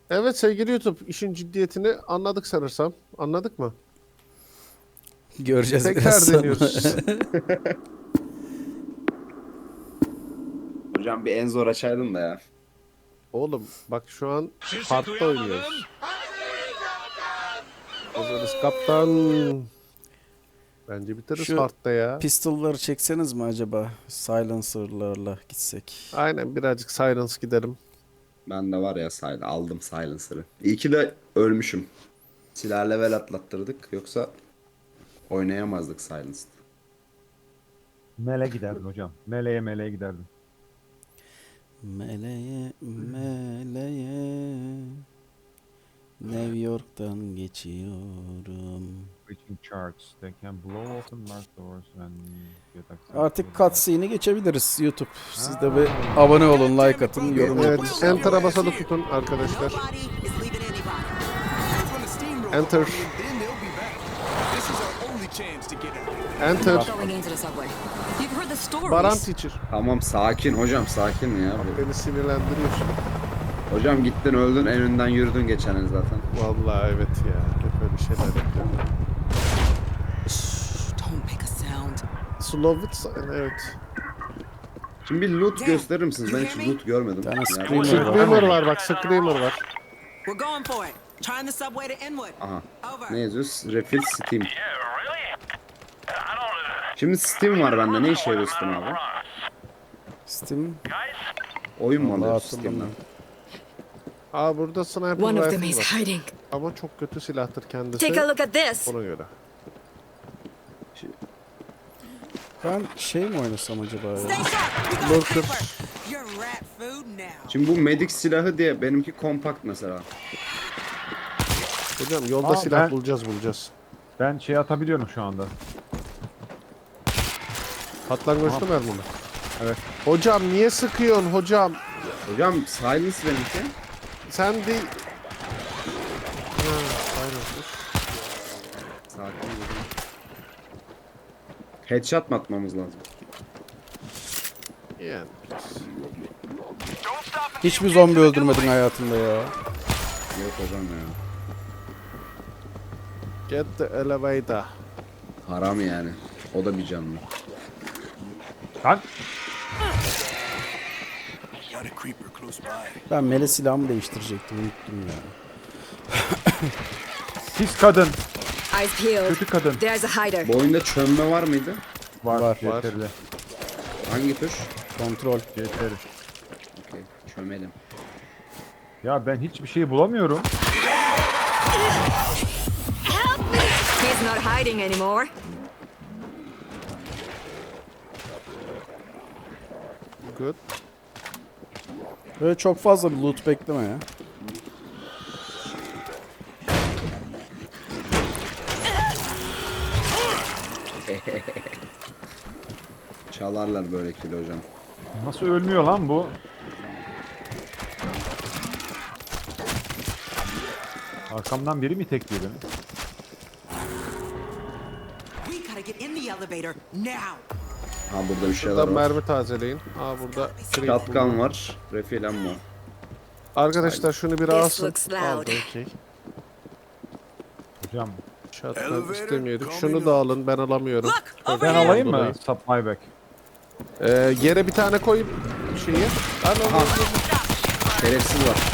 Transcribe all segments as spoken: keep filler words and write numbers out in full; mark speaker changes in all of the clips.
Speaker 1: Evet sevgili YouTube, işin ciddiyetini anladık sanırsam. Anladık mı?
Speaker 2: Göreceğiz biraz
Speaker 1: Tekrar
Speaker 2: sonra.
Speaker 1: deniyoruz.
Speaker 3: Hocam bir en zor açaydın da ya.
Speaker 1: Oğlum bak şu an hard'da oynuyoruz. Hazırız kaptan. Bence bitiririz
Speaker 2: Şu
Speaker 1: hard'da ya.
Speaker 2: Pistol'ları çekseniz mi acaba? Silencer'larla gitsek.
Speaker 1: Aynen birazcık silence gidelim.
Speaker 3: Ben de var ya sil- aldım silencer'ı. İyi ki de ölmüşüm. Silah level atlattırdık yoksa oynayamazdık silenced.
Speaker 4: Mele giderdim hocam. Meleğe meleğe giderdim.
Speaker 2: Meleğe, meleğe. New York'tan geçiyorum.
Speaker 4: Reaching charts. They can blow open marked doors and get access
Speaker 2: Artık
Speaker 4: to-
Speaker 2: cutscene'i geçebiliriz YouTube. Siz de bir abone olun, like atın, yorum yapın.
Speaker 1: Evet, enter'a basılı tutun arkadaşlar. Enter. Enter. Baran teacher.
Speaker 3: Tamam sakin hocam sakin ya.
Speaker 1: Beni sinirlendiriyorsun.
Speaker 3: Hocam gittin öldün en önden yürüdün geçen el zaten.
Speaker 1: Vallahi evet ya. Hep öyle şeyler yapıyorum.
Speaker 5: Don't make a sound.
Speaker 1: Slow it, evet.
Speaker 3: Şimdi bir loot gösterir misiniz? Ben hiç loot görmedim.
Speaker 2: tane
Speaker 3: Yani-
Speaker 2: screamer var.
Speaker 1: Screamer var bak, Screamer var.
Speaker 5: We're going for it. Trying the subway to Inwood.
Speaker 3: Aha.
Speaker 5: Over.
Speaker 3: Ne yazıyor? Refill Steam. Şimdi Steam var bende. Ne işe yarıyor Steam abi?
Speaker 2: Steam.
Speaker 3: Oyun mu
Speaker 2: Vallahi
Speaker 3: alıyoruz
Speaker 2: hatırlamıyorum.
Speaker 3: Steam'den?
Speaker 1: Aa burada sniper
Speaker 6: One of them
Speaker 1: rifle
Speaker 6: is
Speaker 1: var.
Speaker 6: hiding.
Speaker 1: Ama çok kötü silahtır kendisi.
Speaker 6: Take a look at this.
Speaker 1: Ona göre.
Speaker 2: Ben şey mi oynasam acaba
Speaker 5: Stay
Speaker 2: ya?
Speaker 5: sharp. We got
Speaker 1: Lurker.
Speaker 5: paper. You're rat food now.
Speaker 3: Şimdi bu medic silahı diye benimki kompakt mesela.
Speaker 1: Hocam yolda
Speaker 4: Aa,
Speaker 1: silah
Speaker 4: ben-
Speaker 1: bulacağız bulacağız.
Speaker 4: Ben şey atabiliyorum şu anda.
Speaker 1: Patlangoçlu mermi mi?
Speaker 4: Evet.
Speaker 1: Hocam niye sıkıyorsun hocam?
Speaker 3: Hocam silence benimki.
Speaker 1: Sen de... Ha, aynen.
Speaker 3: Sakin olun. Headshot mı atmamız lazım?
Speaker 1: Yani.
Speaker 2: Hiçbir zombi öldürmedin hayatında ya.
Speaker 3: Yok hocam ya.
Speaker 1: Get the elevator.
Speaker 3: Haram yani. O da bir canlı.
Speaker 4: Lan
Speaker 2: Ben mele silahımı değiştirecektim, unuttum ya.
Speaker 4: pis kadın.
Speaker 6: Eyes peeled.
Speaker 4: Kötü kadın.
Speaker 6: There's a hider.
Speaker 3: Bu oyunda çömme var mıydı?
Speaker 4: Var.
Speaker 2: Var.
Speaker 4: C T R'de.
Speaker 3: Hangi tuş?
Speaker 2: Kontrol.
Speaker 4: C T R.
Speaker 3: Okey. Çömelim.
Speaker 4: Ya ben hiçbir şey bulamıyorum.
Speaker 6: He's not hiding anymore.
Speaker 1: Good.
Speaker 2: Böyle çok fazla bir loot bekleme ya.
Speaker 3: Çalarlar böyle kilo hocam.
Speaker 4: Nasıl ölmüyor lan bu? Arkamdan biri mi tekliyor beni?
Speaker 5: We gotta get in the elevator now.
Speaker 3: Ha burada bir şeyler
Speaker 1: Burada
Speaker 3: var.
Speaker 1: mermi tazeleyin. Aa burada...
Speaker 3: Shotgun var. Refill ammo.
Speaker 1: Arkadaşlar şunu bir
Speaker 6: This
Speaker 1: alsın.
Speaker 6: looks loud.
Speaker 1: Aldı okey.
Speaker 4: Hocam
Speaker 1: Shotgun istemiyorduk. Şunu da alın, ben alamıyorum.
Speaker 5: Look, over
Speaker 4: ben
Speaker 5: here.
Speaker 4: alayım mı?
Speaker 1: Dolayı.
Speaker 4: Supply back.
Speaker 1: Ee, yere bir tane koyup şeyi. Lan oğlum,
Speaker 3: Şerefsiz var.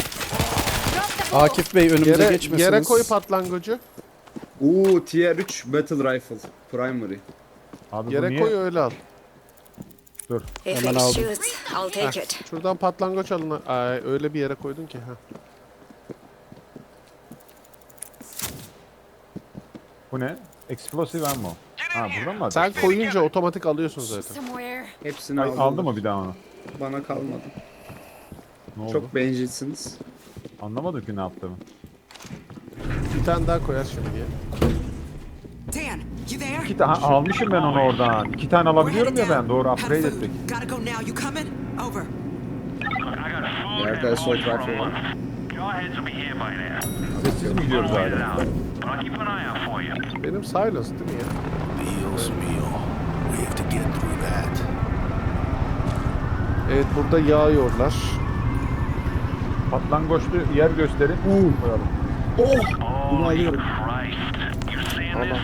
Speaker 2: Akif Bey önümüze
Speaker 1: Yere,
Speaker 2: geçmesiniz.
Speaker 1: yere koy patlangocu.
Speaker 3: Uuu Tier üç Battle Rifle. Primary.
Speaker 4: Abi bu
Speaker 1: Yere
Speaker 4: niye?
Speaker 1: koy öyle al.
Speaker 4: Dur.
Speaker 6: If
Speaker 2: Hemen
Speaker 6: it
Speaker 2: aldım.
Speaker 6: shoots, I'll take it.
Speaker 1: Şuradan patlangoç alın. Ay, öyle bir yere koydun ki. Ha.
Speaker 4: Bu ne? Explosive ammo. Ha buradan mı?
Speaker 1: Sen
Speaker 4: alacağız?
Speaker 1: koyunca otomatik alıyorsun zaten.
Speaker 6: Somewhere.
Speaker 3: Hepsini
Speaker 4: Ay,
Speaker 3: aldım.
Speaker 4: aldı mı bir daha onu?
Speaker 3: Bana kalmadı.
Speaker 4: Ne oldu?
Speaker 3: Çok bencilsiniz.
Speaker 4: Anlamadım ki ne yaptığımı.
Speaker 1: Bir tane daha koyar şimdi ya.
Speaker 5: Dan, you there?
Speaker 4: İki tane almışım ben onu oradan. İki tane
Speaker 5: We're
Speaker 4: alabiliyorum
Speaker 5: headed
Speaker 4: ya
Speaker 5: down.
Speaker 4: ben. Doğru
Speaker 5: Have
Speaker 4: upgrade
Speaker 5: food.
Speaker 4: ettik.
Speaker 5: Gotta go now. You coming? Over.
Speaker 3: Yerde assault rifle var.
Speaker 4: Sessiz mi gidiyoruz hala?
Speaker 1: Benim silence değil mi ya?
Speaker 7: Bill's meal. We have to get through that.
Speaker 1: Evet burada yağıyorlar.
Speaker 4: Patlangoçlu yer gösterin. Koyalım.
Speaker 3: Bunu alıyorum.
Speaker 1: Allah.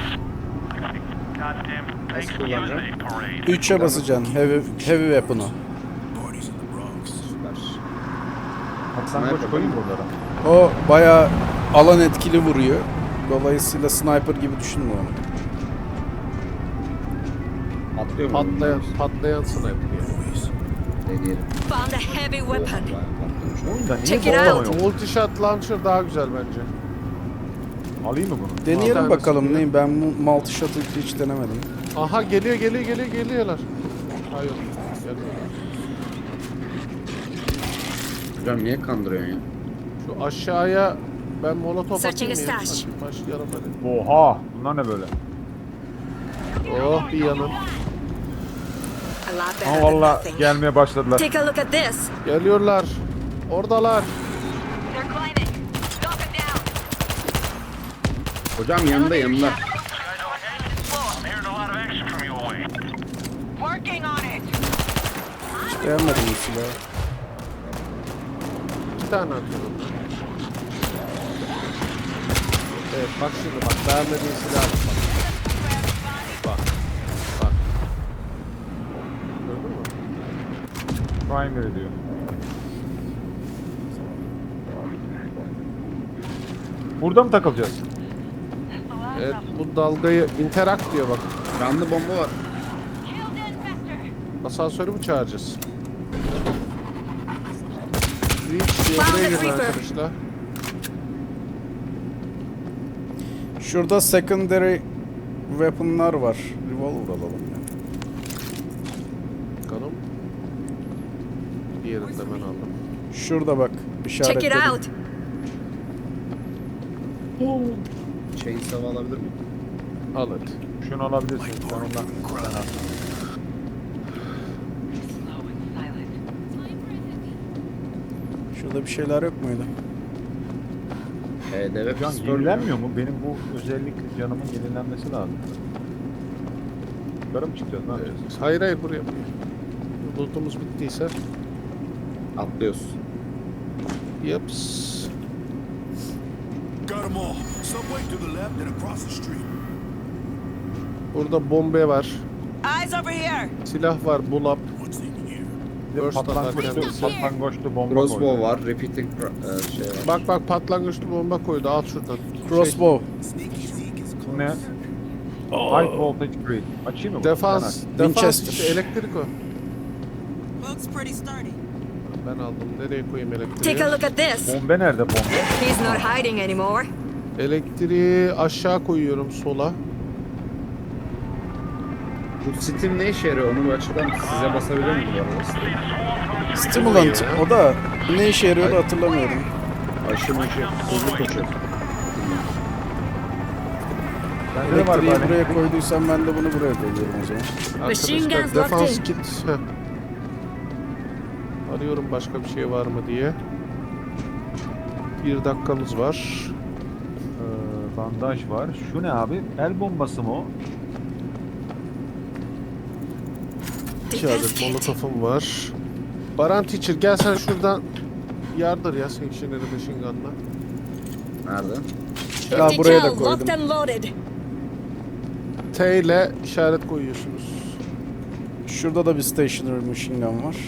Speaker 3: Nasıl kullanacağım?
Speaker 2: üçe basacaksın heavy, heavy weapon'u.
Speaker 7: Parties in the Bronx.
Speaker 3: Süper.
Speaker 4: Patlangoç koyayım buralara.
Speaker 2: O bayağı alan etkili vuruyor. Dolayısıyla sniper gibi düşünme onu.
Speaker 3: Atlıyor mu?
Speaker 1: Patlayan, patlayan sniper yani.
Speaker 3: Deneyelim.
Speaker 6: Found a heavy weapon.
Speaker 3: Patlamış.
Speaker 4: Oyunda niye
Speaker 6: Check it
Speaker 4: bomba
Speaker 6: out.
Speaker 4: yok?
Speaker 1: Multishot launcher daha güzel bence.
Speaker 4: Alayım mı bunu?
Speaker 2: Deneyelim
Speaker 1: tanesi
Speaker 2: bakalım
Speaker 1: diyor.
Speaker 2: neyim, ben bu multi shot'ı hiç denemedim.
Speaker 1: Aha geliyor geliyor geliyor geliyorlar. Hayır. Gelmiyorlar.
Speaker 3: Hocam niye kandırıyorsun ya?
Speaker 1: Şu aşağıya ben molotof
Speaker 6: Searching
Speaker 1: atayım
Speaker 6: a
Speaker 1: ya.
Speaker 6: stash.
Speaker 1: Hadi başlayalım hadi.
Speaker 4: Oha! Bunlar ne böyle?
Speaker 1: Oh bir yanım.
Speaker 6: A lot
Speaker 4: Ha
Speaker 6: better than
Speaker 4: valla
Speaker 6: nothing.
Speaker 4: gelmeye başladılar.
Speaker 6: Take a look at this.
Speaker 1: Geliyorlar. Oradalar.
Speaker 6: They're climbing. Knock them down.
Speaker 3: Hocam yanında yanında.
Speaker 5: Working on it.
Speaker 2: Hiç beğenmedim bu silahı.
Speaker 1: İki tane atıyorum. Evet bak şimdi bak. Beğenmediğin silah bak. Bak. Bak. Gördün mü?
Speaker 4: Primary diyor. Burada mı takılacağız?
Speaker 1: Evet bu dalgayı interact diyor bak.
Speaker 3: Canlı bomba var.
Speaker 1: Asansörü mü çağıracağız? Reach diye
Speaker 6: Found
Speaker 1: buraya
Speaker 6: the
Speaker 1: girin
Speaker 6: creeper.
Speaker 1: arkadaşlar.
Speaker 2: Şurada secondary weapon'lar var. Revolver alalım ya.
Speaker 1: Bakalım. Diğerini de ben aldım.
Speaker 2: Şurada bak
Speaker 6: Check it
Speaker 2: işaretledim.
Speaker 6: out.
Speaker 3: Chainsaw alabilir miyim?
Speaker 1: Al hadi.
Speaker 4: Şunu alabilirsin. Sen ondan. Sen al.
Speaker 2: Şurada bir şeyler yok muydu?
Speaker 3: H D V
Speaker 4: Can
Speaker 3: pistol.
Speaker 4: yenilenmiyor mu? Benim bu özellik canımın yenilenmesi lazım. Yukarı mı çıkacağız? Ne yapacağız?
Speaker 1: Evet. Hayır hayır buraya. Loot'umuz bittiyse.
Speaker 3: Atlıyoruz.
Speaker 1: Yaps.
Speaker 7: Got them all. Subway to the left and across the street.
Speaker 1: Burada bombe var.
Speaker 5: Eyes over here.
Speaker 1: Silah var. Bulap.
Speaker 7: What's in here?
Speaker 4: Bir de
Speaker 1: Burst atar
Speaker 4: patlangoçlu,
Speaker 1: kendisi.
Speaker 4: patlangoçlu bomba
Speaker 3: Crossbow
Speaker 4: koydu.
Speaker 3: var. Repeating pro- e, şey var.
Speaker 1: Bak bak patlangoçlu bomba koydu. Al şuradan.
Speaker 2: Crossbow.
Speaker 4: Bu ne? High voltage grid. Açayım mı?
Speaker 1: Şey,
Speaker 4: bunu?
Speaker 1: defans.
Speaker 4: Sen aç.
Speaker 1: Defans
Speaker 2: Winchester.
Speaker 1: işte elektrik o.
Speaker 5: Looks pretty sturdy.
Speaker 1: Ben aldım. Nereye koyayım
Speaker 6: Take a
Speaker 1: elektriği?
Speaker 6: look at this.
Speaker 4: Bombe nerede bombe?
Speaker 6: He's not hiding anymore.
Speaker 1: Elektriği aşağı koyuyorum sola.
Speaker 3: Bu Steam ne işe yarıyor? Onu bir açıklar mısın? Size basabilir miyim bu arada? Steam?
Speaker 2: Stimulant. O da ne işe yarıyordu hatırlamıyorum.
Speaker 3: Aşı maşı. Hızlı koşuyor.
Speaker 4: Bende de var
Speaker 2: Elektriği
Speaker 4: bari.
Speaker 2: buraya koyduysam ben de bunu buraya koyuyorum o zaman.
Speaker 6: Machine
Speaker 1: Arkadaşlar
Speaker 6: guns
Speaker 1: defans
Speaker 6: locked in.
Speaker 1: kit. Heh. Arıyorum başka bir şey var mı diye. Bir dakikamız var.
Speaker 4: Ee, bandaj var. Şu ne abi? El bombası mı o?
Speaker 1: İki adet molotofum var. Baran Teacher gel sen şuradan yardır ya Sanctionary Machine Gun'la.
Speaker 3: Nerede?
Speaker 2: Ya
Speaker 6: Empty
Speaker 2: buraya da
Speaker 6: gel,
Speaker 2: koydum.
Speaker 6: locked and loaded.
Speaker 1: T ile işaret koyuyorsunuz.
Speaker 2: Şurada da bir stationary machine gun var.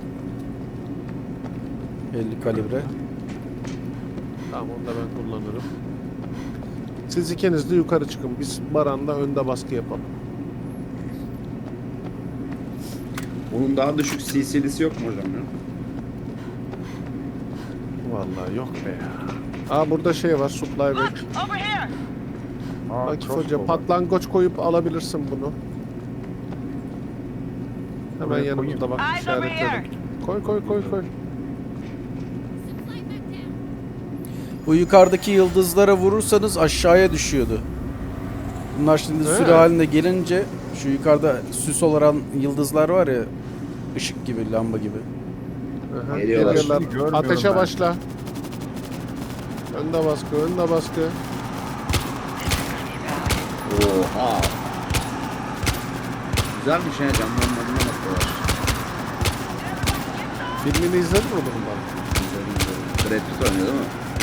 Speaker 2: elli kalibre.
Speaker 1: Tamam onu da ben kullanırım. Siz ikiniz de yukarı çıkın. Biz Baran'la önde baskı yapalım.
Speaker 3: Bunun daha düşük C C'lisi yok mu hocam ya?
Speaker 1: Vallahi yok be ya. Aa burada şey var supply bag.
Speaker 5: Over here.
Speaker 4: Aa,
Speaker 1: Akif
Speaker 4: crossbow
Speaker 1: Hoca
Speaker 4: var.
Speaker 1: patlangoç koyup alabilirsin bunu. Hemen
Speaker 4: Buraya
Speaker 1: yanımızda bak
Speaker 5: Eyes over
Speaker 1: işaretledim.
Speaker 5: here.
Speaker 1: Koy koy koy koy.
Speaker 2: Bu yukarıdaki yıldızlara vurursanız aşağıya düşüyordu. Bunlar şimdi
Speaker 1: He.
Speaker 2: sürü halinde gelince şu yukarıda süs olarak yıldızlar var ya, ışık gibi, lamba gibi.
Speaker 1: Aha,
Speaker 3: Geliyorlar.
Speaker 1: geliyorlar.
Speaker 4: Şimdi görmüyorum
Speaker 1: Ateşe
Speaker 4: ben.
Speaker 1: başla. Önde baskı, önde baskı.
Speaker 3: Oha. Güzelmiş ya camdan moduna bakıyorlar.
Speaker 1: Filmini izledin mi bundan?
Speaker 3: Güzel, güzel. Brad Pitt oynuyor değil mi?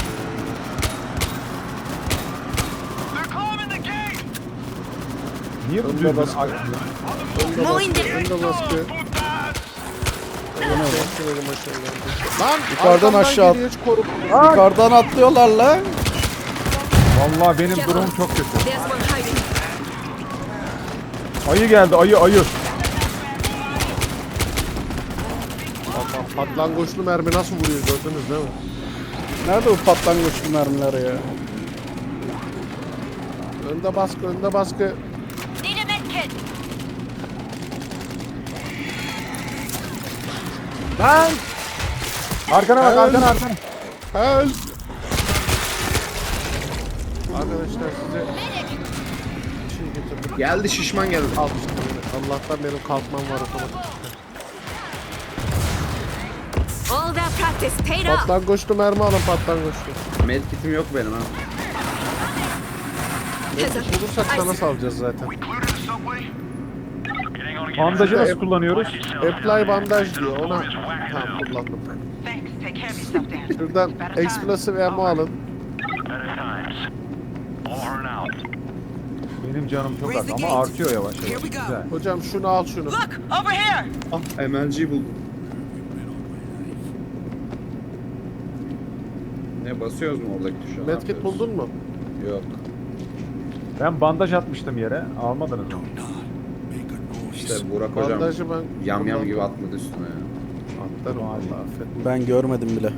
Speaker 7: They're climbing the gate.
Speaker 4: Niye bu
Speaker 1: Önde
Speaker 4: dürbün
Speaker 1: baskı.
Speaker 4: açmıyor?
Speaker 1: Önde baskı. Önde baskı.
Speaker 7: Putas.
Speaker 1: Bekleyelim aşağı geldi. Lan
Speaker 2: Yukarıdan
Speaker 1: arkamdan
Speaker 2: aşağı-
Speaker 1: geliyor, hiç korkma.
Speaker 2: Yukarıdan atlıyorlar lan.
Speaker 4: Vallahi benim
Speaker 6: Careful.
Speaker 4: durumum çok kötü.
Speaker 6: There's one hiding.
Speaker 4: Ayı geldi, ayı ayı.
Speaker 1: Bak bak, patlangoçlu mermi nasıl vuruyor gördünüz değil mi?
Speaker 2: Nerede bu patlangoçlu mermiler ya?
Speaker 1: Önde baskı, önde baskı.
Speaker 6: Need a medkit.
Speaker 1: Lan!
Speaker 4: Arkana bak,
Speaker 1: Help.
Speaker 4: arkana arkana.
Speaker 1: Help! Arkadaşlar size bir şey getirdim.
Speaker 3: Geldi şişman geldi.
Speaker 1: Al işte beni. Allah'tan benim kalkmam var otomatik.
Speaker 6: All that practice paid off.
Speaker 1: Patlangoçlu mermi alın, patlangoçlu.
Speaker 3: Medkit'im yok benim ha.
Speaker 1: Neyse, bulursak sana salacağız zaten.
Speaker 7: Cleared the subway.
Speaker 4: Bandajı nasıl kullanıyoruz?
Speaker 1: Apply bandaj diyor, ona tamam kullandım.
Speaker 5: Thanks. Take care of yourself, Dan.
Speaker 1: Şuradan explosive ammo alın.
Speaker 4: Benim canım çok az
Speaker 5: Raise the
Speaker 4: ama
Speaker 5: gate.
Speaker 4: artıyor yavaş
Speaker 5: Here
Speaker 4: yavaş.
Speaker 5: we go.
Speaker 4: Güzel.
Speaker 1: Hocam şunu al şunu.
Speaker 5: Look, over here.
Speaker 3: Ah M L G buldum. Ne basıyoruz mu oradaki tuşa? Ne
Speaker 1: Medkit
Speaker 3: yapıyoruz?
Speaker 1: buldun mu?
Speaker 3: Yok.
Speaker 4: Ben bandaj atmıştım yere. Almadınız mı?
Speaker 3: İşte Burak hocam
Speaker 1: Bandajı ben
Speaker 3: yam yam gibi
Speaker 1: kullandım.
Speaker 3: atladı üstüne ya.
Speaker 1: Atlarım vallahi affet.
Speaker 2: Ben görmedim bile.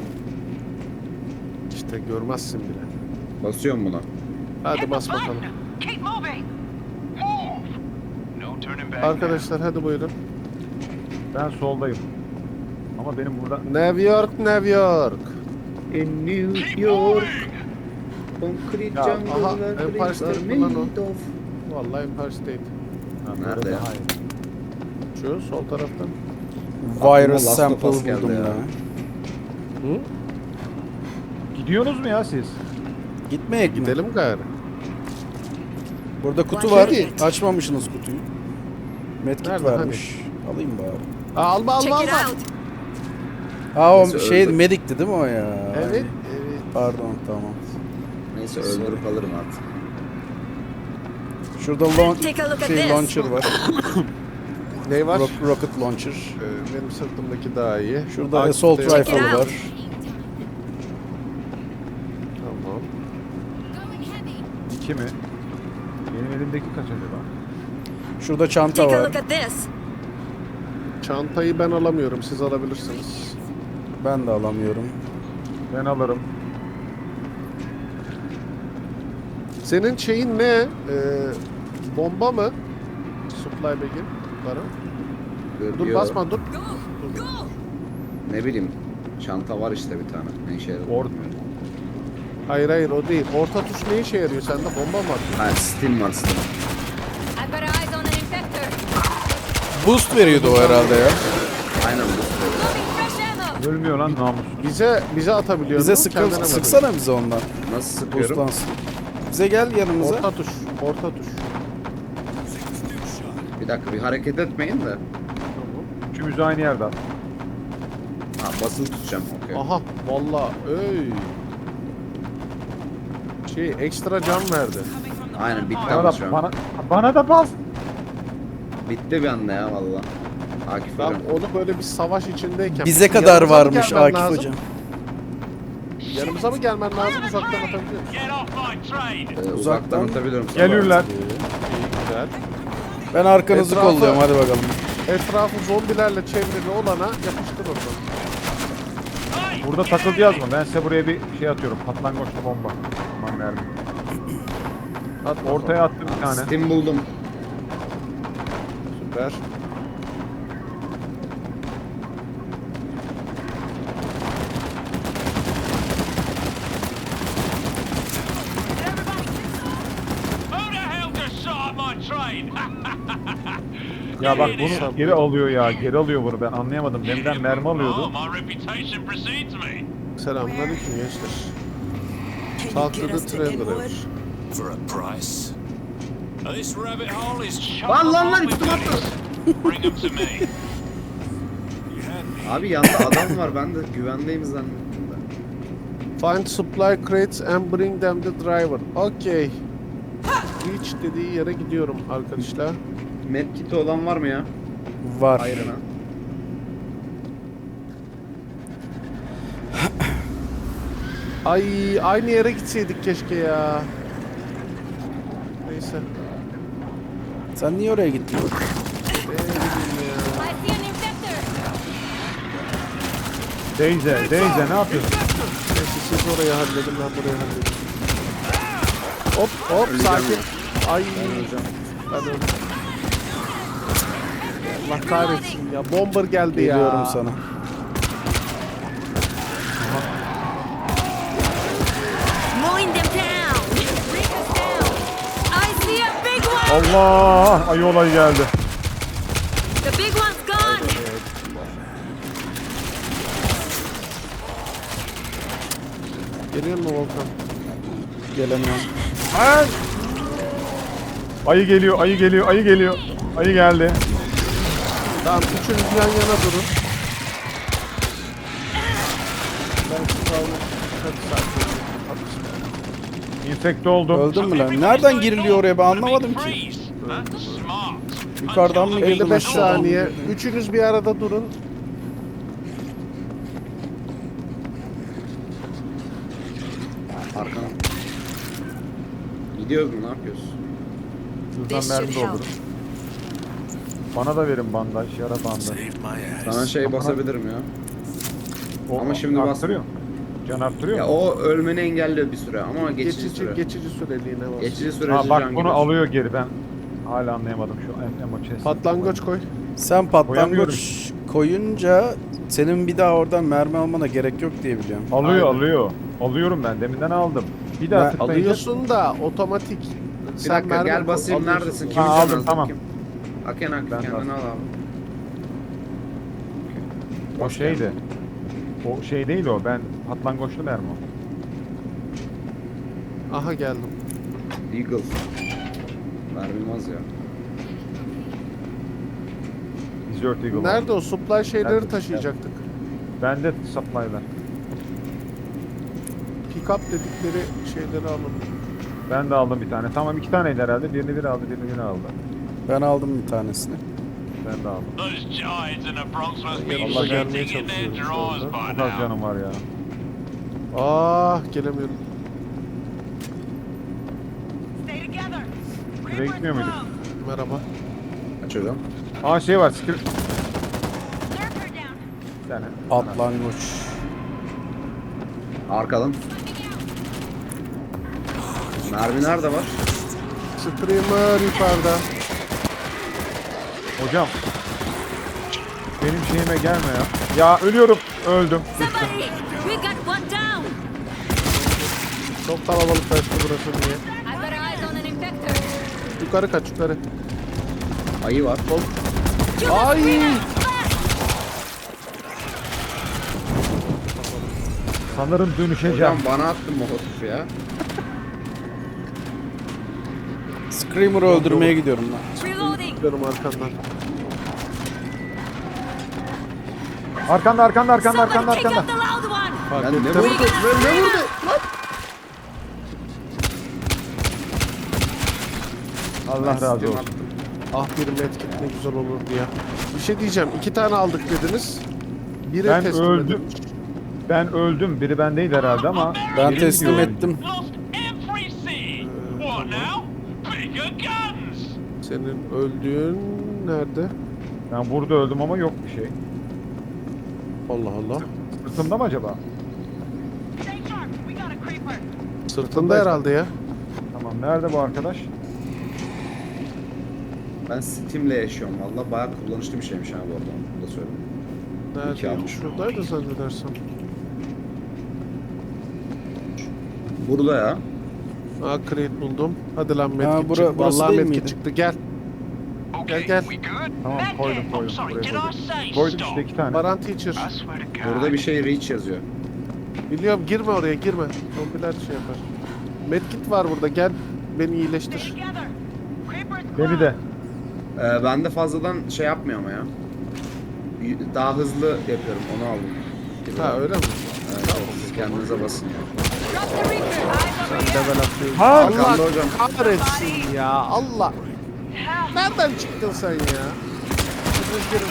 Speaker 1: İşte görmezsin bile.
Speaker 3: Basıyorum buna.
Speaker 1: Hadi
Speaker 5: Hit the
Speaker 1: bas
Speaker 5: button.
Speaker 1: bakalım.
Speaker 5: Keep moving.
Speaker 7: Move. No turning back.
Speaker 1: Arkadaşlar hadi buyurun.
Speaker 4: Ben soldayım. Ama benim burada...
Speaker 1: New York, New York.
Speaker 3: In New
Speaker 7: Keep
Speaker 3: York.
Speaker 7: moving.
Speaker 3: Concrete
Speaker 1: Ya, aha,
Speaker 3: jungle'lar
Speaker 1: Empire
Speaker 3: trees are
Speaker 1: State mi lan o?
Speaker 3: made of.
Speaker 1: Vallahi Empire State.
Speaker 4: Ha,
Speaker 3: Nerede
Speaker 4: böyle
Speaker 3: ya?
Speaker 4: daha iyi.
Speaker 1: Şu sol taraftan.
Speaker 2: Virus
Speaker 3: Last of
Speaker 2: sample
Speaker 3: Us geldi
Speaker 2: buldum
Speaker 3: ya.
Speaker 2: ya.
Speaker 1: Hı?
Speaker 4: Gidiyorsunuz mu ya siz?
Speaker 2: Gitmeyek mi?
Speaker 1: Gidelim gayrı.
Speaker 2: Burada kutu
Speaker 6: Watch
Speaker 2: var.
Speaker 6: it.
Speaker 2: Açmamışsınız kutuyu. Medkit
Speaker 1: Nerede,
Speaker 2: varmış. Alayım bari.
Speaker 1: Aa, alma alma
Speaker 6: Check it
Speaker 1: alma.
Speaker 6: out.
Speaker 2: Ha o
Speaker 3: Neyse,
Speaker 2: şey
Speaker 3: öldü.
Speaker 2: medikti değil mi o ya?
Speaker 1: Evet. Evet.
Speaker 2: Pardon tamam.
Speaker 3: Neyse öldürüp alırım artık.
Speaker 2: Şurada laun-
Speaker 6: Take a look at
Speaker 2: şey
Speaker 6: this.
Speaker 2: launcher var.
Speaker 1: Ne var?
Speaker 2: Rock- rocket launcher.
Speaker 1: Ee, benim sırtımdaki daha iyi.
Speaker 2: Şurada
Speaker 1: Aktif
Speaker 2: assault
Speaker 1: de-
Speaker 6: Check it
Speaker 2: rifle
Speaker 6: out.
Speaker 2: var.
Speaker 1: Tamam.
Speaker 4: İki mi? Benim elimdeki kaç acaba?
Speaker 2: Şurada çanta
Speaker 6: Take a
Speaker 2: var.
Speaker 6: look at this.
Speaker 1: Çantayı ben alamıyorum. Siz alabilirsiniz.
Speaker 2: Ben de alamıyorum.
Speaker 4: Ben alırım.
Speaker 1: Senin şeyin ne? Ee, bomba mı? Supply bag'in. Para. Dur
Speaker 3: Yo,
Speaker 1: basma dur.
Speaker 3: Ne bileyim. Çanta var işte bir tane. Ne işe yarar?
Speaker 4: Or
Speaker 1: Hayır hayır o değil. Orta tuş ne işe yarıyor? Sende bomba mı var?
Speaker 3: Ha Steam var Steam.
Speaker 6: I've got eyes on an infector.
Speaker 2: Boost veriyordu o herhalde ya.
Speaker 3: Aynen bu.
Speaker 6: Loading fresh ammo.
Speaker 4: ölmüyor lan namus.
Speaker 1: Bize bize atabiliyor
Speaker 2: Bize
Speaker 1: musun?
Speaker 2: sıkı,
Speaker 1: Kendine mi
Speaker 2: sıksana bize ondan.
Speaker 3: Nasıl sıkıyorum?
Speaker 2: Boostlansın. Bize gel yanımıza.
Speaker 1: atıyorsun? Orta tuş. Orta tuş.
Speaker 3: Bir dakika bir hareket etmeyin de.
Speaker 1: Tamam.
Speaker 4: Üçümüzü aynı yerde at.
Speaker 3: Ha basılı tutacağım. Okey.
Speaker 1: Aha valla öy. Şey ekstra can verdi.
Speaker 3: Aynen bitti
Speaker 4: Bana
Speaker 3: ama
Speaker 4: da,
Speaker 3: şu an.
Speaker 4: bana, bana da bas.
Speaker 3: Bitti bir anda ya valla. Akif
Speaker 1: Ben
Speaker 3: hocam.
Speaker 1: onu böyle bir savaş içindeyken...
Speaker 2: Bize kadar
Speaker 1: Yanımıza mı
Speaker 2: varmış
Speaker 1: gelmen
Speaker 2: Akif
Speaker 1: lazım?
Speaker 2: hocam.
Speaker 1: Yanımıza mı gelmen lazım uzaktan atabiliyor musun?
Speaker 7: Get off my train.
Speaker 3: Ee, uzaktan
Speaker 2: Uzaktan
Speaker 3: atabiliyorum sana.
Speaker 4: Geliyorlar.
Speaker 1: İyi güzel.
Speaker 2: Ben arkanızı
Speaker 1: Etrafı-
Speaker 2: kolluyorum hadi bakalım.
Speaker 1: Etrafı zombilerle çevrili olana yapıştır onu.
Speaker 4: Burada takılacağız mı? Ben size buraya bir şey atıyorum. Patlangoçlu bomba. Aman mermi.
Speaker 1: At
Speaker 4: Ortaya attım bir tane.
Speaker 3: Steam buldum.
Speaker 1: Süper.
Speaker 7: Who the hell just shot at my train?
Speaker 4: Ya bak bunu geri alıyor ya. Geri alıyor bunu. Ben anlayamadım. Benden mermi
Speaker 7: Oh,
Speaker 4: alıyordu.
Speaker 7: my reputation precedes me.
Speaker 1: Selamünaleyküm gençler.
Speaker 5: Can you
Speaker 1: Talk
Speaker 5: get
Speaker 1: to
Speaker 5: us
Speaker 1: the
Speaker 5: to
Speaker 1: traveler.
Speaker 5: Inwood?
Speaker 7: For a price. This rabbit hole is chock
Speaker 3: Lan lan lan
Speaker 7: full of
Speaker 3: üstüme attı.
Speaker 7: goodies. Bring them to me.
Speaker 3: Abi yanında adam var ben de güvendeyim zannettim de.
Speaker 1: Find supply crates and bring them the driver. Okay. Reach dediği yere gidiyorum arkadaşlar.
Speaker 3: Medkit'i olan var mı ya?
Speaker 2: Var.
Speaker 3: Ayrına.
Speaker 1: Ay aynı yere gitseydik keşke ya. Neyse.
Speaker 2: Sen niye oraya gittin?
Speaker 1: Ne bileyim ya.
Speaker 6: I see an infector.
Speaker 4: Deyze, Deyze ne yapıyorsun?
Speaker 1: Neyse siz orayı halledin, ben burayı halledeyim. Hop hop sakin. Ay. Ben öldüm. Allah kahretsin ya. Bomber geldi ya.
Speaker 2: Geliyorum sana.
Speaker 6: Mowing them down. Break us down. I see a big one.
Speaker 4: Allah! Ayı olay geldi.
Speaker 6: The big one's gone.
Speaker 1: Geliyor mu Volkan?
Speaker 2: Gelemiyorum.
Speaker 4: Ayı geliyor, ayı geliyor, ayı geliyor. Ayı geldi.
Speaker 1: Tamam üçünüz yan yana durun. Ben şu kalmak. Hadi sakin olun. Hadi.
Speaker 4: İnfekte oldum.
Speaker 2: Öldün mü lan? Nereden giriliyor oraya ben anlamadım ki. Yukarıdan mı girdin
Speaker 1: elli beş
Speaker 2: aşağıdan mı
Speaker 1: saniye.
Speaker 2: girdin?
Speaker 1: Üçünüz bir arada durun.
Speaker 3: Arkana. Gidiyoruz mu? Ne yapıyoruz?
Speaker 4: Şuradan mermi doldurun. Bana da verin bandaj, yara bandaj.
Speaker 7: Saved my ass.
Speaker 3: Sana şey basabilirim ya.
Speaker 4: O,
Speaker 3: Ama şimdi
Speaker 4: arttırıyor. Can arttırıyor
Speaker 3: Ya
Speaker 4: mu?
Speaker 3: o ölmeni engelliyor bir süre ama geçici,
Speaker 1: Geçici,
Speaker 3: süre.
Speaker 1: geçici süreliğine bas.
Speaker 3: Geçici sürece
Speaker 4: Ha
Speaker 3: can
Speaker 4: bak bunu
Speaker 3: giriyor.
Speaker 4: alıyor geri ben. Hala anlayamadım şu em- emo chest.
Speaker 1: Patlangoç koy.
Speaker 2: Sen
Speaker 4: Koyamıyorum.
Speaker 2: patlangoç koyunca senin bir daha oradan mermi almana gerek yok diye biliyorum.
Speaker 4: Alıyor
Speaker 1: Aynen.
Speaker 4: alıyor. Alıyorum ben deminden aldım. Bir daha
Speaker 2: Ben
Speaker 4: tıklayınca.
Speaker 1: Alıyorsun da otomatik.
Speaker 3: Bir dakika
Speaker 1: mermi
Speaker 3: gel basayım
Speaker 1: alıyorsun.
Speaker 3: neredesin?
Speaker 4: Ha,
Speaker 3: Kim
Speaker 4: aldım,
Speaker 3: can aldı?
Speaker 4: tamam.
Speaker 3: Kim? Aken Ak
Speaker 4: Ben
Speaker 3: kendini
Speaker 4: bastım.
Speaker 3: al abi.
Speaker 4: O şeydi. O şey değil o. Ben patlangoçlu mermi o.
Speaker 1: Aha geldim.
Speaker 3: Eagle. Mermim az ya.
Speaker 4: Desert Eagle.
Speaker 1: Nerede o supply şeyleri
Speaker 4: Nerede?
Speaker 1: taşıyacaktık.
Speaker 4: Bende supply'lar.
Speaker 1: Pick up dedikleri şeyleri alalım.
Speaker 4: Ben de aldım bir tane. Tamam iki taneydi herhalde. Birini biri aldı, birini biri aldı.
Speaker 2: Ben aldım bir tanesini.
Speaker 4: Ben de aldım.
Speaker 8: Those giants in the Bronx must be
Speaker 1: Allah gelmeye
Speaker 8: shaking in their
Speaker 1: çalışıyorum şu
Speaker 8: drawers
Speaker 1: anda.
Speaker 8: by
Speaker 4: Çok az
Speaker 8: now.
Speaker 4: canım var ya.
Speaker 1: Ah gelemiyorum.
Speaker 5: Stay together.
Speaker 4: Şuraya
Speaker 5: Creepers
Speaker 4: gitmiyor muyduk?
Speaker 5: close.
Speaker 1: Merhaba.
Speaker 3: Açıyorum.
Speaker 4: Aa şey var. Skill...
Speaker 6: Lurker down.
Speaker 4: Bir tane.
Speaker 2: Patlangoç.
Speaker 3: Arkadan. Mermi nerede var?
Speaker 1: Streamer yukarıda.
Speaker 4: Hocam. Benim şeyime gelme ya. Ya ölüyorum. Öldüm.
Speaker 6: Somebody. We got one down.
Speaker 1: Çok kalabalıklaştı burası diye.
Speaker 6: I've got eyes on an infector.
Speaker 1: Yukarı kaç yukarı.
Speaker 3: Ayı var.
Speaker 6: Kill the
Speaker 1: Ay!
Speaker 6: screamer. Fast.
Speaker 4: Sanırım dönüşeceğim.
Speaker 3: Hocam bana attın molotof ya.
Speaker 2: Screamer'ı öldürmeye gidiyorum lan.
Speaker 6: Reloading.
Speaker 1: Gidiyorum arkandan.
Speaker 4: Arkanda arkanda arkanda arkanda
Speaker 6: Somebody take
Speaker 4: arkanda.
Speaker 6: out the loud one.
Speaker 1: Fark
Speaker 3: Ben ne
Speaker 1: ettim.
Speaker 3: vurdu? Ben ne vurdu?
Speaker 4: Allah razı olsun.
Speaker 1: Ah bir medkit ne güzel olurdu ya. Bir şey diyeceğim. İki tane aldık dediniz. Biri
Speaker 4: Ben
Speaker 1: teslim
Speaker 4: öldüm.
Speaker 1: edilmiş.
Speaker 4: Ben öldüm. Biri bendeydi herhalde ama.
Speaker 2: Ben
Speaker 4: biri
Speaker 2: teslim
Speaker 4: gidiyor.
Speaker 2: ettim.
Speaker 8: Lost every seed. What now? Bigger guns.
Speaker 1: Senin öldüğün nerede?
Speaker 4: Ben burada öldüm ama yok bir şey.
Speaker 1: Allah Allah.
Speaker 4: Sırtımda mı acaba?
Speaker 5: Stay sharp. We got a creeper.
Speaker 1: Sırtında herhalde ya.
Speaker 4: Tamam. Nerede bu arkadaş?
Speaker 3: Ben Steam'le yaşıyorum valla. Bayağı kullanışlı bir şeymiş ha bu arada. Bunu da söyleyeyim. İki
Speaker 1: Nerede?
Speaker 3: almış.
Speaker 1: Şuradaydı zannedersem.
Speaker 3: Burada ya.
Speaker 1: Aa crate buldum. Hadi lan medkit
Speaker 2: Ha, bura-
Speaker 1: çıktı.
Speaker 2: burası
Speaker 1: Vallahi
Speaker 2: değil
Speaker 1: medkit
Speaker 2: miydi?
Speaker 1: çıktı. Gel.
Speaker 8: Okay,
Speaker 1: gel.
Speaker 8: we good?
Speaker 4: Tamam
Speaker 5: Back
Speaker 4: koydum
Speaker 5: there.
Speaker 4: koydum.
Speaker 8: Oh, sorry,
Speaker 4: Buraya
Speaker 8: did
Speaker 4: koydum.
Speaker 8: I say
Speaker 4: Koydum
Speaker 8: stop?
Speaker 4: işte iki tane.
Speaker 1: Baran teacher.
Speaker 8: I swear to God.
Speaker 3: Burada bir şey reach yazıyor.
Speaker 1: Biliyorum girme oraya girme. Zombiler şey yapar. Medkit var burada gel. Beni
Speaker 5: Stay
Speaker 1: iyileştir.
Speaker 5: together. Creepers
Speaker 4: Beni
Speaker 5: close.
Speaker 4: de.
Speaker 3: Ee, ben de fazladan şey yapmıyor ama ya. Y- Daha hızlı yapıyorum onu aldım.
Speaker 1: Ha öyle mi?
Speaker 3: Evet,
Speaker 1: Tamam.
Speaker 3: evet. kendinize basın ya.
Speaker 6: Drop the Reaper.
Speaker 1: Level atlıyoruz.
Speaker 4: Ha!
Speaker 1: Allah
Speaker 3: Arkanda hocam.
Speaker 1: kahretsin ya. Allah. Nereden çıktın sen ya? Rüzgarın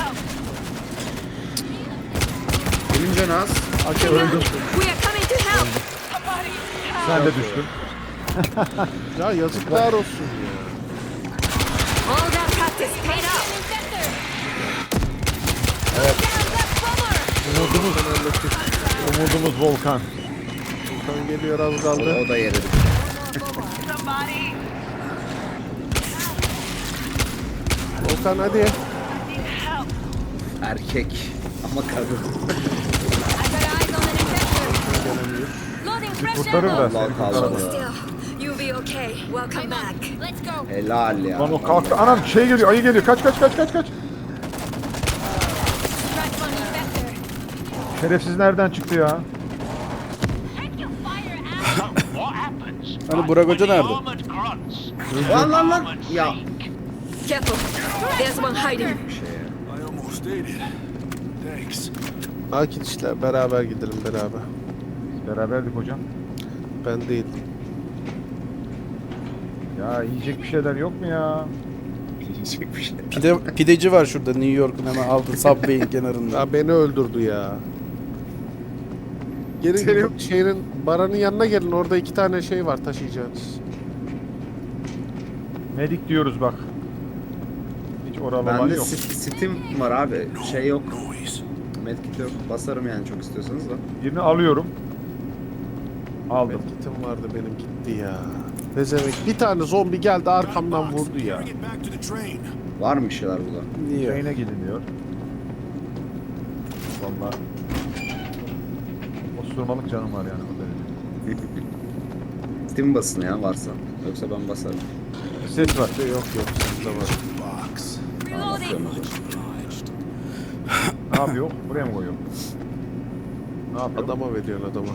Speaker 3: Birinci Naz.
Speaker 1: Hakem öldü.
Speaker 6: We are coming to help.
Speaker 4: Sen de düştün.
Speaker 1: Ya yazıklar olsun ya.
Speaker 6: All that practice paid off. Evet.
Speaker 1: Umudumuz hallettik.
Speaker 4: Umudumuz Volkan.
Speaker 1: Volkan geliyor az
Speaker 3: O,
Speaker 1: kaldı.
Speaker 3: o da yere düştü.
Speaker 5: Somebody.
Speaker 1: Volkan hadi.
Speaker 5: Need help.
Speaker 3: Erkek ama kadın.
Speaker 6: I got eyes on an infector. Loading fresh
Speaker 4: Kurtarır da
Speaker 6: ammo.
Speaker 4: seni
Speaker 3: Allah
Speaker 4: kurtarır.
Speaker 3: kaldı.
Speaker 6: Still, you'll be okay. Welcome back. Let's go.
Speaker 3: Helal ya.
Speaker 4: Lan o kalktı. Anam şey geliyor, ayı geliyor. Kaç kaç kaç kaç kaç.
Speaker 6: Strike on infector.
Speaker 4: Şerefsiz nereden çıktı ya?
Speaker 8: What happens?
Speaker 2: Hani Burak Hoca nerede?
Speaker 8: Armored grunts.
Speaker 3: Lan lan lan. Ya.
Speaker 6: Careful. There's one hiding.
Speaker 3: Bir şey ya.
Speaker 7: I almost did it. Thanks.
Speaker 1: Akit işler beraber gidelim beraber.
Speaker 4: Beraberdik hocam.
Speaker 1: Ben değil.
Speaker 4: Ya yiyecek bir şeyler yok mu ya?
Speaker 3: Yiyecek bir şey.
Speaker 2: Pide, pideci var şurada New York'un hemen altı Subway'in kenarında.
Speaker 1: Ya beni öldürdü ya. Gelin gelin şehrin baranın yanına gelin. Orada iki tane şey var taşıyacağınız.
Speaker 4: Medik diyoruz bak. Hiç oralı var
Speaker 3: Bende
Speaker 4: yok.
Speaker 3: sit- Steam var abi. Şey yok.
Speaker 7: Noise.
Speaker 3: Medkit yok. Basarım yani çok istiyorsanız da.
Speaker 4: Birini alıyorum. Aldım.
Speaker 1: Medkitim vardı benim gitti ya. Bezemek. Bir tane zombi geldi arkamdan vurdu ya.
Speaker 7: Bring it back to the train.
Speaker 3: Var mı bir şeyler burada?
Speaker 2: Niye?
Speaker 4: Şeyine gidiliyor. Valla. Osurmalık canım var yani. o derece.
Speaker 3: Steam basın ya varsa. Yoksa ben basarım.
Speaker 4: Ses var.
Speaker 1: Yok yok sende var.
Speaker 7: Box.
Speaker 6: Reloading.
Speaker 3: Basıyorum o zaman.
Speaker 4: Ne yapıyor? Buraya mı koyuyor? Ne yapıyor?
Speaker 1: Adama veriyorsun adama.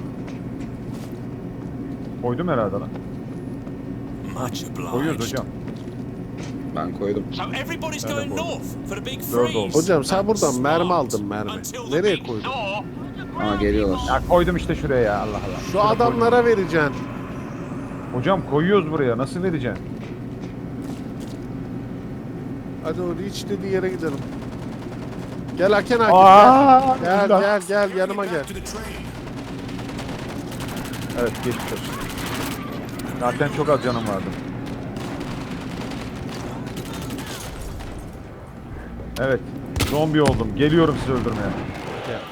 Speaker 4: Koydum herhalde lan.
Speaker 7: Much obliged.
Speaker 4: Koyuyoruz hocam.
Speaker 3: Ben koydum.
Speaker 8: So everybody's
Speaker 4: Öyle
Speaker 8: going
Speaker 4: bu.
Speaker 8: north for the big
Speaker 4: Dört
Speaker 8: freeze.
Speaker 4: oldu.
Speaker 1: Hocam sen buradan mermi aldın mermi.
Speaker 8: Until the
Speaker 1: Nereye
Speaker 8: big
Speaker 1: koydun?
Speaker 8: thaw.
Speaker 3: Aa geliyorlar.
Speaker 4: Ya koydum işte şuraya ya Allah Allah.
Speaker 1: Şu
Speaker 4: Şuraya
Speaker 1: adamlara vereceksin.
Speaker 4: koydum. Hocam koyuyoruz buraya. Nasıl vereceksin?
Speaker 1: Hadi o reach dediği yere gidelim. Gel Haken Akif
Speaker 4: Aa,
Speaker 1: gel. Gel
Speaker 4: güzel.
Speaker 1: gel gel yanıma gel.
Speaker 7: Back to the train.
Speaker 4: Evet geçmiş olsun. Zaten çok az canım vardı. Evet. Zombi oldum. Geliyorum sizi öldürmeye.
Speaker 1: Gel.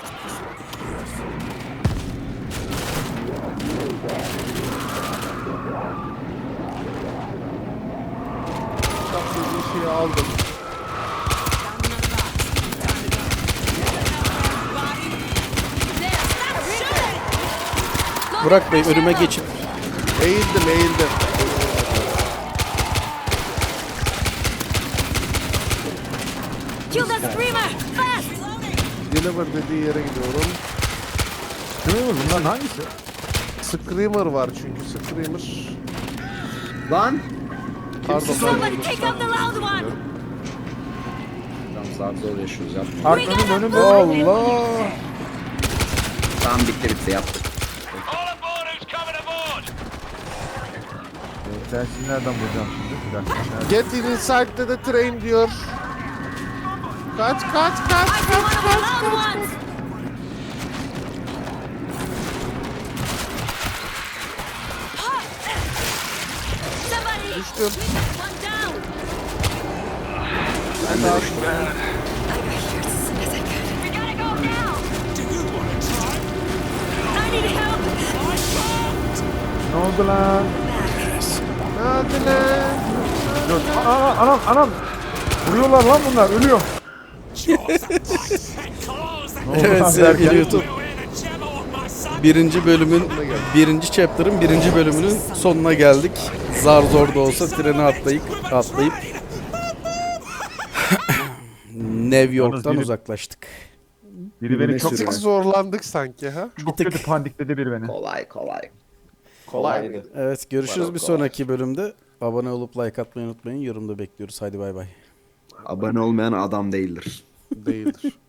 Speaker 1: Bak dediği şeyi aldım.
Speaker 6: There. Stop shooting.
Speaker 2: Burak Bey önüme geçip
Speaker 1: Eğildim eğildim.
Speaker 6: Kill the screamer. Fast.
Speaker 1: Deliver dediği yere gidiyorum.
Speaker 4: Değil mi? Bunların hangisi?
Speaker 1: Screamer var çünkü Screamer.
Speaker 3: Lan!
Speaker 1: Pardon
Speaker 6: Somebody
Speaker 1: pardon.
Speaker 6: take out the loud one.
Speaker 3: Tamam zar zor yaşıyoruz yapma.
Speaker 4: Arkanın önünde.
Speaker 2: Allah!
Speaker 3: Tamam bitti bitti yaptık.
Speaker 8: All aboard who's coming aboard.
Speaker 4: Ben sizi nereden bulacağım şimdi? Bir dakika. Nerede?
Speaker 1: Get inside the train diyor. Kaç kaç kaç
Speaker 6: I see
Speaker 1: kaç
Speaker 6: one of the
Speaker 1: kaç.
Speaker 6: loud ones. Somebody.
Speaker 1: Düştüm.
Speaker 6: One down.
Speaker 1: Ben de açtım.
Speaker 6: I got here as soon as I could. We gotta go now.
Speaker 8: Do you want to try?
Speaker 6: I need help.
Speaker 4: Ne oldu lan?
Speaker 1: Hadi lan.
Speaker 4: Dur. Aa, anam anam. Vuruyorlar lan bunlar. Ölüyor.
Speaker 8: Jaws, that bite, that claws, that
Speaker 4: Ne oldu
Speaker 2: Evet
Speaker 4: lan
Speaker 2: sevgili
Speaker 4: derken?
Speaker 2: YouTube.
Speaker 8: we're in a jam on my son.
Speaker 2: Birinci bölümün, birinci chapter'ın birinci bölümünün sonuna geldik. Zar zor da olsa treni atlayıp, atlayıp New York'tan
Speaker 4: biri-
Speaker 2: uzaklaştık.
Speaker 4: Biri beni
Speaker 2: Birine
Speaker 4: çok,
Speaker 2: sürüyor.
Speaker 1: Çok zorlandık sanki ha.
Speaker 4: çok kötü pandikledi biri beni.
Speaker 3: Kolay kolay.
Speaker 1: Kolaydı.
Speaker 2: Evet görüşürüz
Speaker 3: Kolay
Speaker 2: bir
Speaker 3: kolay.
Speaker 2: sonraki bölümde. Abone olup like atmayı unutmayın. Yorumda bekliyoruz. Hadi bay bay.
Speaker 3: Abone olmayan adam değildir.
Speaker 1: Değildir.